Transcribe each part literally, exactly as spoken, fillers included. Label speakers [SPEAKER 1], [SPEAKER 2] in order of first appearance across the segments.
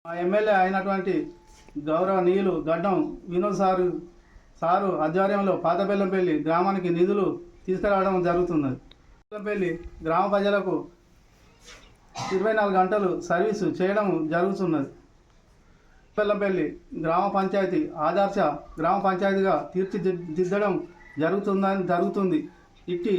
[SPEAKER 1] ఆ ఎమ్మెల్యే అయినటువంటి గౌరవనీయులు గడ్డం వినోద్ సారు సారు ఆధ్వర్యంలో పాతబెల్లంపల్లి గ్రామానికి నిధులు తీసుకురావడం జరుగుతున్నది. బెల్లంపల్లి గ్రామ ప్రజలకు ఇరవై నాలుగు గంటలు సర్వీసు చేయడం జరుగుతున్నది. బెల్లంపల్లి గ్రామ పంచాయతీ ఆదర్శ గ్రామ పంచాయతీగా తీర్చిదిద్దడం జరుగుతుందని జరుగుతుంది. ఇట్టి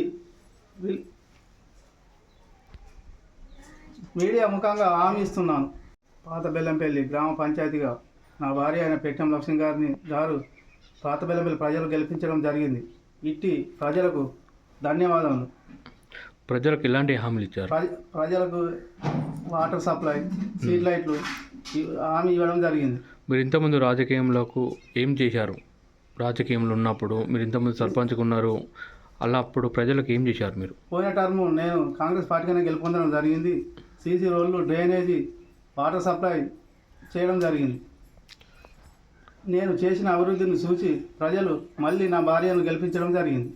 [SPEAKER 1] మీడియా ముఖంగా హామీ ఇస్తున్నాను. పాత బెల్లంపల్లి గ్రామ పంచాయతీగా నా భార్య అయిన పెట్టెం లక్ష్మి గారిని గారు పాత బెల్లంపల్లి ప్రజలు గెలిపించడం జరిగింది. ఇట్టి ప్రజలకు ధన్యవాదాలు.
[SPEAKER 2] ప్రజలకు ఎలాంటి హామీలు ఇచ్చారు?
[SPEAKER 1] ప్రజలకు వాటర్ సప్లై, స్ట్రీట్ లైట్లు హామీ ఇవ్వడం జరిగింది.
[SPEAKER 2] మీరు ఇంతకుముందు రాజకీయంలోకి ఏం చేశారు? రాజకీయంలో ఉన్నప్పుడు మీరు ఇంతకుముందు సర్పంచ్గా ఉన్నారు, అలా అప్పుడు ప్రజలకు ఏం చేశారు? మీరు
[SPEAKER 1] పోయిన టర్ము నేను కాంగ్రెస్ పార్టీగానే గెలుపొందడం జరిగింది. సీసీ రోడ్లు, డ్రైనేజీ, వాటర్ సప్లై చేయడం జరిగింది. నేను చేసిన అభివృద్ధిని చూసి ప్రజలు మళ్ళీ నా భార్యను గెలిపించడం జరిగింది.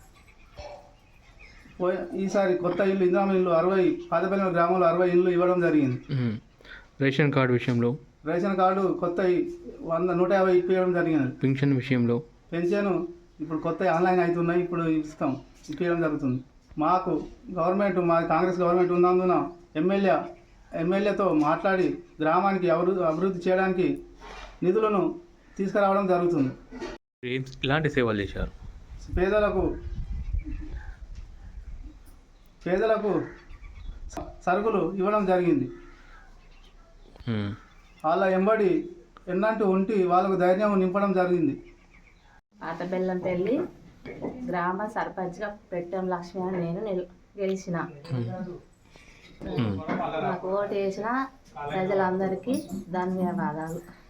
[SPEAKER 1] పోయి ఈసారి కొత్త ఇల్లు, ఇందిరామ ఇల్లు అరవై పాతబెల్లం గ్రామంలో అరవై ఇల్లు ఇవ్వడం జరిగింది.
[SPEAKER 2] రేషన్ కార్డు విషయంలో
[SPEAKER 1] రేషన్ కార్డు కొత్త వంద నూట యాభై ఇప్పించడం జరిగింది.
[SPEAKER 2] పెన్షన్ విషయంలో
[SPEAKER 1] పెన్షన్ ఇప్పుడు కొత్త ఆన్లైన్ అవుతున్నాయి, ఇప్పుడు ఇస్తాం ఇప్పించడం జరుగుతుంది. మాకు గవర్నమెంట్ మా కాంగ్రెస్ గవర్నమెంట్ ఉన్నందున ఎమ్మెల్యే ఎమ్మెల్యేతో మాట్లాడి గ్రామానికి అభివృద్ధి అభివృద్ధి చేయడానికి నిధులను తీసుకురావడం జరుగుతుంది.
[SPEAKER 2] ఇలాంటి సేవలు చేశారు.
[SPEAKER 1] పేదలకు పేదలకు సరుకులు ఇవ్వడం జరిగింది. వాళ్ళ ఎంబడి ఎన్నంటూ ఉండి వాళ్ళకు ధైర్యం నింపడం జరిగింది.
[SPEAKER 3] పాత బెల్లంపల్లి గ్రామ సర్పంచ్గా పెట్టెం లక్ష్మి అని నేను నిల్ గెలిచిన. నాకు ఓటు వేసిన ప్రజలందరికీ ధన్యవాదాలు.